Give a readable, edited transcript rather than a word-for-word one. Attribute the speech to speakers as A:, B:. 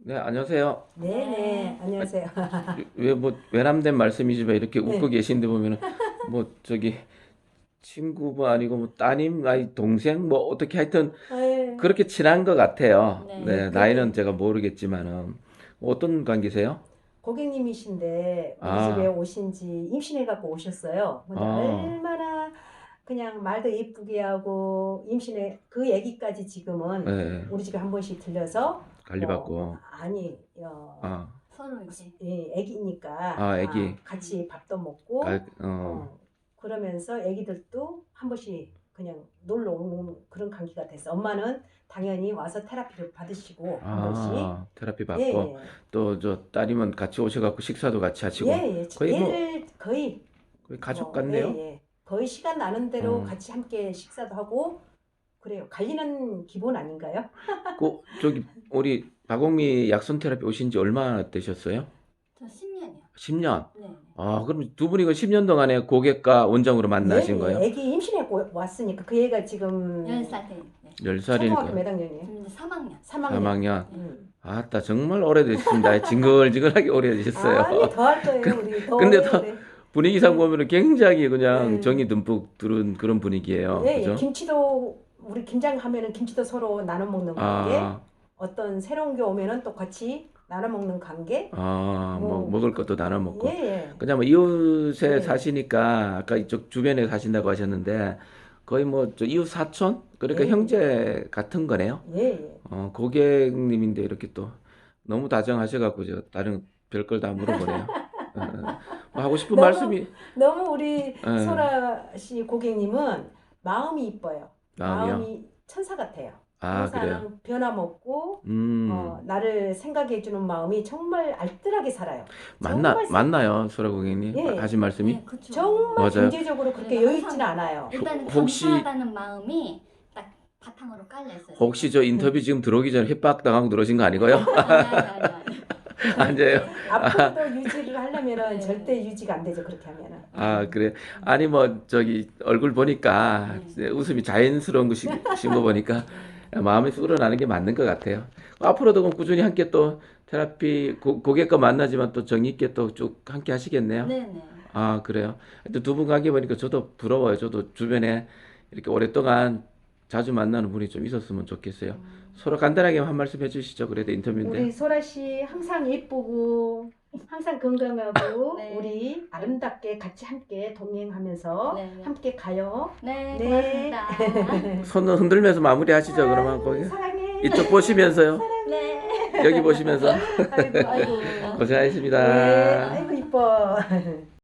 A: 네, 안녕하세요.
B: 네네, 안녕하세요.
A: 왜 뭐 외람된 말씀이지만 이렇게 웃고
B: 네.
A: 계신데 보면은 뭐 저기 친구 뭐 아니고 뭐 따님, 아니 동생 뭐 어떻게 하여튼
B: 아유,
A: 그렇게 친한 것 같아요.
B: 네,
A: 네, 나이는
B: 그렇게
A: 제가 모르겠지만은 어떤 관계세요?
B: 고객님이신데 우리 집에
A: 아,
B: 오신 지 임신해갖고 오셨어요. 근데
A: 어,
B: 얼마나 그냥 말도 예쁘게 하고 임신해 그 얘기까지 지금은
A: 네,
B: 우리 집에 한 번씩 들려서 뭐
A: 관리받고,
B: 아니
A: 아,
C: 서로 이제
B: 애기니까
A: 애기,
B: 같이 밥도 먹고
A: 어,
B: 어 그러면서 애기들도 한 번씩 그냥 놀러 오는 그런 관계가 됐어. 엄마는 당연히 와서 테라피를 받으시고 한 번씩
A: 테라피 받고
B: 예예
A: 또 저 따님은 같이 오셔갖고 식사도 같이 하시고
B: 예예
A: 거의 뭐
B: 얘를 거의
A: 거의 가족
B: 뭐
A: 같네요.
B: 예예 거의 시간 나는 대로
A: 어.
B: 같이 함께 식사도 하고 그래요. 관리는 기본 아닌가요?
A: 그 저기 우리 박옥미 약손 테라피 오신 지 얼마나 되셨어요?
C: 저 10년이요.
A: 10년.
C: 네.
A: 아, 그럼 두 분이 그 10년 동안에 고객과 원장으로 만나신
B: 예예
A: 거예요?
B: 애기 임신하고 왔으니까 그 애가 지금
C: 10살 때. 네.
B: 초등학교
A: 10살이니까
B: 몇 학년이에요?
C: 지금 이제 3학년.
B: 3학년.
A: 3학년.
C: 네.
A: 아따, 정말 오래되셨습니다. 징글징글하게 오래되셨어요.
B: 아니 더 할 거예요 우리 더
A: 근데 더
B: 오래오래.
A: 분위기상 보면은 굉장히 그냥
B: 네.
A: 정이 듬뿍 들은 그런 분위기예요.
B: 예, 예.
A: 그죠?
B: 김치도 우리 김장 하면은 김치도 서로 나눠 먹는 관계.
A: 아,
B: 어떤 새로운 게 오면은 또 같이 나눠 먹는 관계.
A: 뭐
B: 뭐
A: 먹을 것도 나눠
B: 예,
A: 먹고.
B: 예.
A: 그냥 뭐 이웃에
B: 예.
A: 사시니까 아까 이쪽 주변에 사신다고 하셨는데 거의 뭐 저 이웃 사촌?
B: 예,
A: 그러니까
B: 예.
A: 형제 같은 거네요.
B: 예, 예.
A: 고객님인데 이렇게 또 너무 다정하셔갖고 저 다른 별걸 다 물어보네요. 뭐 하고 싶은
B: 너무
A: 말씀이
B: 너무 우리
A: 어,
B: 소라 씨 고객님은 마음이 이뻐요.
A: 마음이요.
B: 마음이 천사 같아요.
A: 아, 그래요.
B: 항상 변함없고
A: 음,
B: 나를 생각해 주는 마음이 정말 알뜰하게 살아요. 정말
A: 맞나요, 소라 고객님?
B: 예.
A: 하신 말씀이?
C: 네, 그쵸.
B: 정말
A: 맞아요.
B: 경제적으로 그렇게
C: 그래서
B: 여유 있지는
C: 항상
B: 않아요.
C: 일단은
A: 혹시
C: 감사하다는 마음이 딱 바탕으로 깔려 있어요.
A: 혹시
C: 제가.
A: 저 인터뷰 지금 들어오기 전에 협박당하고 들어오신 거 아니고요?
C: 아니.
A: 아니에요.
B: 앞으로도 유지를 하려면은
C: 네.
B: 절대 유지가 안 되죠. 그렇게 하면은.
A: 아, 그래. 아니, 뭐, 저기, 얼굴 보니까,
C: 네.
A: 웃음이 자연스러운 것이신 거 보니까, 마음에서 우러나는 게 맞는 것 같아요. 앞으로도 그럼 꾸준히 함께 또, 테라피, 고객과 만나지만 또 정이 있게 또 쭉 함께 하시겠네요.
C: 네네.
A: 아, 그래요. 두 분 관계 보니까 저도 부러워요. 저도 주변에 이렇게 오랫동안 자주 만나는 분이 좀 있었으면 좋겠어요. 서로 간단하게 한 말씀 해주시죠. 그래도 인터뷰인데.
B: 우리 소라 씨 항상 예쁘고 항상 건강하고
C: 네.
B: 우리 아름답게 같이 함께 동행하면서
C: 네.
B: 함께 가요.
C: 네,
B: 네.
C: 고맙습니다.
A: 손 흔들면서 마무리 하시죠. 그러면 거기.
B: 사랑해.
A: 이쪽 보시면서요.
C: 네.
A: 여기 보시면서.
B: 아이고.
C: 아이고.
B: 네.
A: 고생하셨습니다.
B: 아이고 이뻐.